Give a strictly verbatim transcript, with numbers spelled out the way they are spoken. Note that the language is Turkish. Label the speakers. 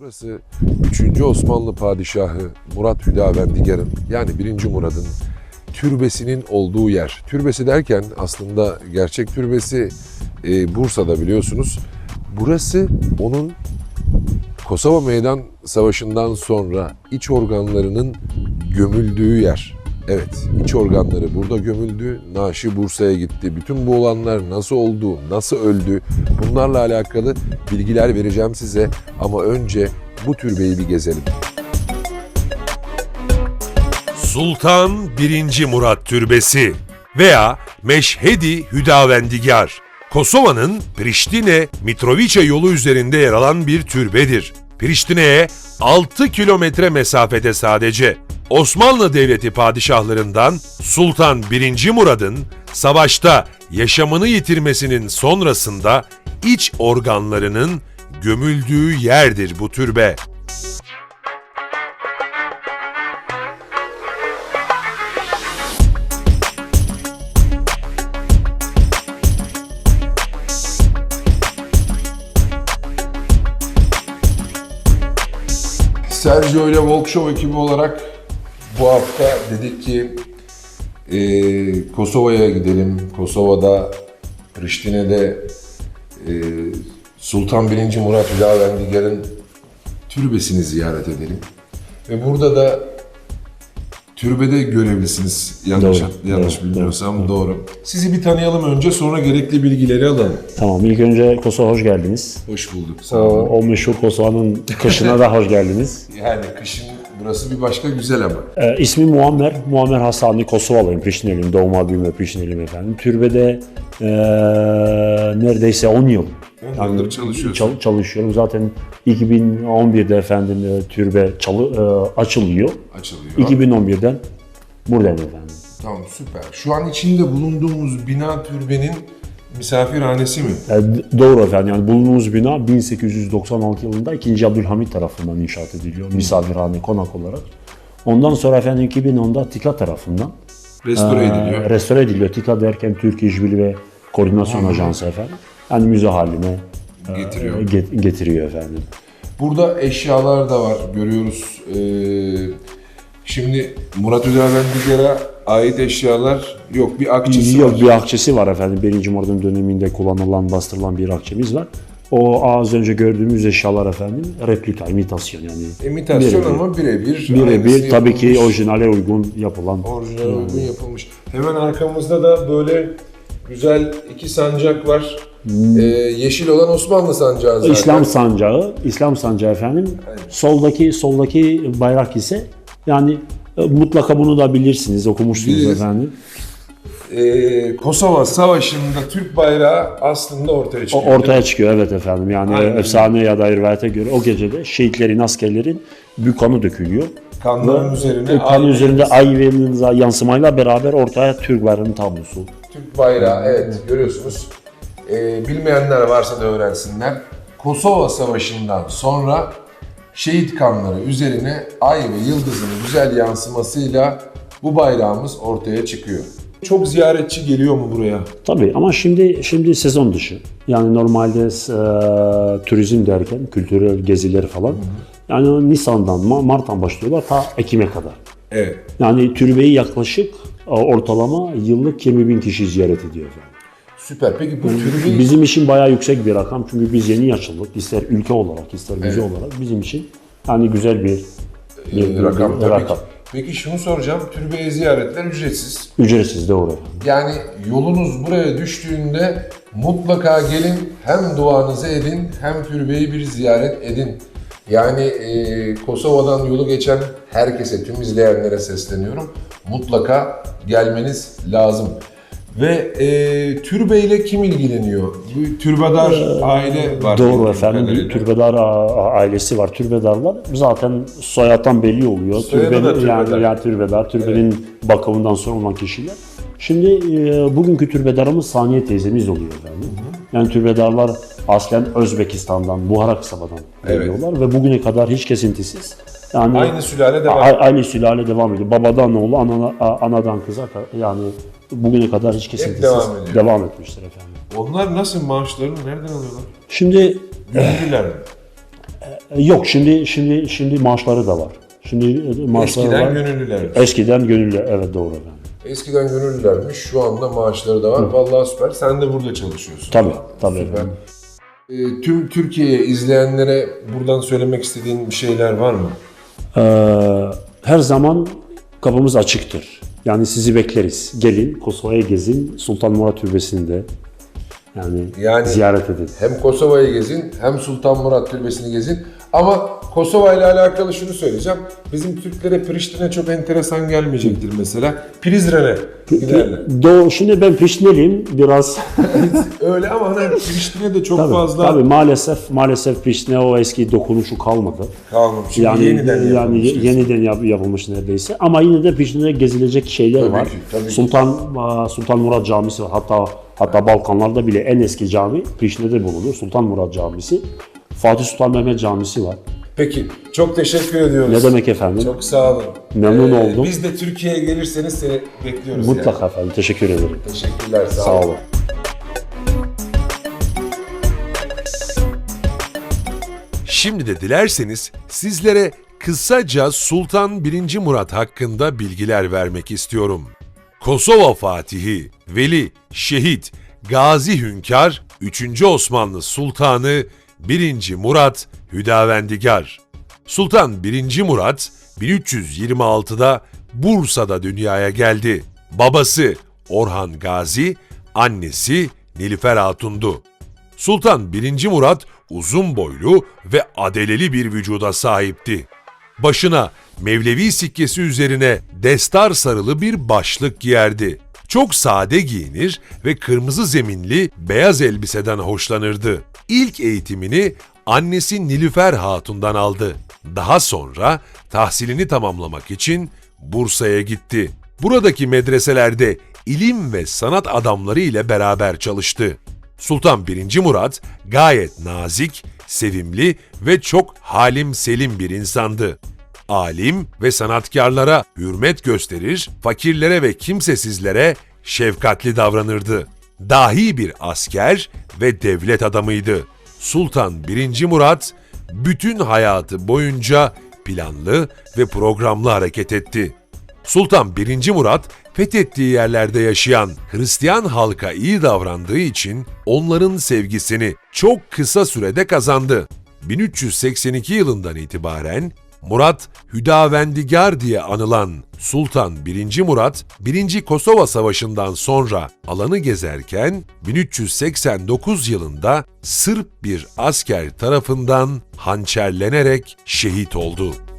Speaker 1: Burası üçüncü Osmanlı Padişahı Murat Hüdavendigar'ın yani birinci Murad'ın türbesinin olduğu yer. Türbesi derken aslında gerçek türbesi e, Bursa'da biliyorsunuz. Burası onun Kosova Meydan Savaşı'ndan sonra iç organlarının gömüldüğü yer. Evet, iç organları burada gömüldü. Naaşı Bursa'ya gitti. Bütün bu olanlar nasıl oldu, nasıl öldü bunlarla alakalı bilgiler vereceğim size. Ama önce bu türbeyi bir gezelim.
Speaker 2: Sultan birinci. Murat Türbesi veya Meşhedi Hüdavendigar, Kosova'nın Priştine Mitrovica yolu üzerinde yer alan bir türbedir. Priştine'ye altı kilometre mesafede sadece. Osmanlı Devleti padişahlarından Sultan birinci. Murad'ın savaşta yaşamını yitirmesinin sonrasında iç organlarının gömüldüğü yerdir bu türbe.
Speaker 1: Sergio ile Walk Show ekibi olarak bu hafta dedik ki e, Kosova'ya gidelim. Kosova'da, Priştine'de e, Sultan birinci. Murat Hüdavendigar'ın türbesini ziyaret edelim. Ve burada da türbede görevlisiniz. Yanlış,
Speaker 3: Doğru,
Speaker 1: yanlış
Speaker 3: doğru,
Speaker 1: bilmiyorsam doğru, doğru. Sizi bir tanıyalım önce, sonra gerekli bilgileri alalım.
Speaker 3: Tamam, ilk önce Kosova hoş geldiniz.
Speaker 1: Hoş bulduk. Sağ
Speaker 3: O,
Speaker 1: olun.
Speaker 3: o meşhur Kosova'nın kışına da hoş geldiniz.
Speaker 1: Yani kışın burası bir başka güzel ama.
Speaker 3: Ee, ismim Muammer. Muammer Hasani, Kosovalıyım, Priştineliyim. Doğma büyüme Priştineliyim efendim. Türbede ee, neredeyse on yıl.
Speaker 1: on yıldır çalışıyorsun.
Speaker 3: çal- çalışıyorum. Zaten iki bin on birde efendim e, türbe çalı, e, açılıyor.
Speaker 1: Açılıyor.
Speaker 3: iki bin on birden buradayım efendim.
Speaker 1: Tamam, süper. Şu an içinde bulunduğumuz bina türbenin misafirhanesi mi?
Speaker 3: E, d- doğru efendim. Yani bulunduğumuz bina bin sekiz yüz doksan altı yılında ikinci. Abdülhamit tarafından inşaat ediliyor. Misafirhane, konak olarak. Ondan sonra efendim iki bin onda TİKA tarafından
Speaker 1: Restore
Speaker 3: Ee,
Speaker 1: ediliyor.
Speaker 3: Restore ediliyor. TİKA derken Türk İşbirliği ve Koordinasyon Ajansı efendim. Yani müze haline
Speaker 1: Getiriyor.
Speaker 3: e, get- getiriyor efendim.
Speaker 1: Burada eşyalar da var, görüyoruz. Ee, şimdi Murat Hüdavendigar'a ait eşyalar yok, bir akçesi
Speaker 3: Yok,
Speaker 1: var.
Speaker 3: bir akçesi var efendim. Birinci Murad'ın döneminde kullanılan, bastırılan bir akçemiz var. O az önce gördüğümüz eşyalar efendim replika, imitasyon yani.
Speaker 1: İmitasyon
Speaker 3: birebir.
Speaker 1: ama birebir.
Speaker 3: Birebir
Speaker 1: aynısı
Speaker 3: tabii ki
Speaker 1: yapılmış.
Speaker 3: orijinale uygun yapılan.
Speaker 1: Orijinal uygun yapılmış. Hemen arkamızda da böyle güzel iki sancak var. Ee, yeşil olan Osmanlı sancağı zaten.
Speaker 3: İslam sancağı, İslam sancağı efendim. Soldaki soldaki bayrak ise yani e, mutlaka bunu da bilirsiniz, okumuşsunuz
Speaker 1: Biliriz.
Speaker 3: efendim.
Speaker 1: Ee, Kosova Savaşı'nda Türk bayrağı aslında ortaya
Speaker 3: O
Speaker 1: çıkıyor.
Speaker 3: ortaya çıkıyor evet efendim. Yani
Speaker 1: Aynen.
Speaker 3: efsane ya da rivayete göre o gecede şehitlerin, askerlerin büyük kanı dökülüyor.
Speaker 1: Kanların üzerine
Speaker 3: O kan
Speaker 1: ay-
Speaker 3: üzerinde ay ve yıldızla yansımayla beraber ortaya Türk bayrağının tablosu.
Speaker 1: Türk bayrağı, evet, görüyorsunuz. Ee, bilmeyenler varsa da öğrensinler. Kosova Savaşı'ndan sonra şehit kanları üzerine ay ve yıldızın güzel yansımasıyla bu bayrağımız ortaya çıkıyor. Çok ziyaretçi geliyor mu buraya?
Speaker 3: Tabii ama şimdi şimdi sezon dışı. Yani normalde e, turizm derken kültürel geziler falan. Yani Nisan'dan, Ma- Mart'tan başlıyorlar ta Ekim'e kadar.
Speaker 1: Evet.
Speaker 3: Yani türbeyi yaklaşık e, ortalama yıllık yirmi bin kişi ziyaret ediyor efendim.
Speaker 1: Süper. Peki bu türbeyi...
Speaker 3: Bizim için bayağı yüksek bir rakam çünkü biz yeni açıldık. İster ülke olarak, ister müze olarak bizim için yani güzel bir, bir,
Speaker 1: Ee,
Speaker 3: bir-
Speaker 1: rakam
Speaker 3: bir
Speaker 1: tabii
Speaker 3: rakam.
Speaker 1: ki. Peki şunu soracağım. Türbeye ziyaretler ücretsiz.
Speaker 3: Ücretsiz doğru efendim.
Speaker 1: Yani yolunuz buraya düştüğünde mutlaka gelin, hem duanızı edin hem türbeyi bir ziyaret edin. Yani e, Kosova'dan yolu geçen herkese, tüm izleyenlere sesleniyorum. Mutlaka gelmeniz lazım. Ve e, türbeyle kim ilgileniyor? Bu türbedar aile var.
Speaker 3: Doğru
Speaker 1: bildiğim
Speaker 3: efendim.
Speaker 1: kadarıyla.
Speaker 3: Bir türbedar a- ailesi var. Türbedarlar zaten soyattan belli oluyor.
Speaker 1: Soyadı da
Speaker 3: yani,
Speaker 1: türbedar.
Speaker 3: yani türbedar, türbenin bakımından sorumlu kişiler. Şimdi e, bugünkü türbedarımız Saniye teyzemiz oluyor efendim. Yani türbedarlar aslen Özbekistan'dan, Buhara kasabadan
Speaker 1: Evet.
Speaker 3: geliyorlar ve bugüne kadar hiç kesintisiz. Yani
Speaker 1: Aynı sülale devam.
Speaker 3: a- aynı sülale devam ediyor. Babadan oğlu, anana, a- anadan kıza ka- yani bugüne kadar hiç kesintisiz
Speaker 1: devam ediyor.
Speaker 3: devam etmiştir efendim.
Speaker 1: Onlar nasıl, maaşlarını nereden alıyorlar?
Speaker 3: Şimdi
Speaker 1: Gönüllüler mi?
Speaker 3: E, Yok şimdi şimdi şimdi maaşları da var. Şimdi e, maaşları
Speaker 1: Eskiden
Speaker 3: var.
Speaker 1: gönüllüler.
Speaker 3: Eskiden gönüllü, evet doğru efendim.
Speaker 1: Eskiden gönüllülermiş, şu anda maaşları da var. Vallahi süper. Sen de burada çalışıyorsun.
Speaker 3: Tabii, tabii
Speaker 1: Süper.
Speaker 3: efendim.
Speaker 1: Ee, tüm Türkiye'ye izleyenlere buradan söylemek istediğin bir şeyler var mı?
Speaker 3: Ee, her zaman kapımız açıktır. Yani sizi bekleriz. Gelin Kosova'ya gezin, Sultan Murat Türbesi'nde yani,
Speaker 1: Yani-
Speaker 3: ziyaret edin.
Speaker 1: Hem Kosova'yı gezin, hem Sultan Murat Türbesi'ni gezin. Ama Kosova ile alakalı şunu söyleyeceğim. Bizim Türklere Priştine çok enteresan gelmeyecektir mesela. Prizren'e giderler.
Speaker 3: Doğu, şimdi ben Priştineliyim biraz.
Speaker 1: Öyle ama hani Priştine de çok
Speaker 3: tabii,
Speaker 1: fazla
Speaker 3: tabii maalesef maalesef Priştine o eski dokunuşu kalmadı.
Speaker 1: kalmamış. Şimdi
Speaker 3: Yani
Speaker 1: yeniden
Speaker 3: yani
Speaker 1: yapılmış diyorsun.
Speaker 3: yeniden yap- yapılmış neredeyse. Ama yine de Priştine'de gezilecek şeyler
Speaker 1: Tabii
Speaker 3: var.
Speaker 1: ki, tabii ki.
Speaker 3: Sultan Sultan Murat Camisi var. Hatta hatta Balkanlarda bile en eski cami Priştine'de bulunur. Sultan Murat Camisi. Fatih Sultan Mehmet Camisi var.
Speaker 1: Peki, çok teşekkür ediyoruz.
Speaker 3: Ne demek efendim?
Speaker 1: Çok sağ olun.
Speaker 3: Memnun oldum.
Speaker 1: Biz de Türkiye'ye gelirseniz seni bekliyoruz.
Speaker 3: Mutlaka efendim. Teşekkür ederim.
Speaker 1: Yani. Teşekkürler. Sağ,
Speaker 3: Sağ
Speaker 1: olun.
Speaker 3: olun.
Speaker 2: Şimdi de dilerseniz sizlere kısaca Sultan birinci. Murat hakkında bilgiler vermek istiyorum. Kosova Fatihi, Veli, Şehit, Gazi Hünkar, üçüncü. Osmanlı Sultanı birinci. Murat Hüdavendigar. Sultan birinci. Murat bin üç yüz yirmi altıda Bursa'da dünyaya geldi. Babası Orhan Gazi, annesi Nilüfer Hatun'du. Sultan birinci. Murat uzun boylu ve adeleli bir vücuda sahipti. Başına Mevlevi sikkesi üzerine destar sarılı bir başlık giyerdi. Çok sade giyinir ve kırmızı zeminli beyaz elbiseden hoşlanırdı. İlk eğitimini annesi Nilüfer Hatun'dan aldı. Daha sonra tahsilini tamamlamak için Bursa'ya gitti. Buradaki medreselerde ilim ve sanat adamları ile beraber çalıştı. Sultan birinci. Murat gayet nazik, sevimli ve çok halim selim bir insandı. Alim ve sanatkarlara hürmet gösterir, fakirlere ve kimsesizlere şefkatli davranırdı. Dahi bir asker ve devlet adamıydı. Sultan birinci. Murat bütün hayatı boyunca planlı ve programlı hareket etti. Sultan birinci. Murat fethettiği yerlerde yaşayan Hristiyan halka iyi davrandığı için onların sevgisini çok kısa sürede kazandı. bin üç yüz seksen iki yılından itibaren Murat Hüdavendigar diye anılan Sultan birinci. Murat, birinci. Kosova Savaşı'ndan sonra alanı gezerken bin üç yüz seksen dokuz yılında Sırp bir asker tarafından hançerlenerek şehit oldu.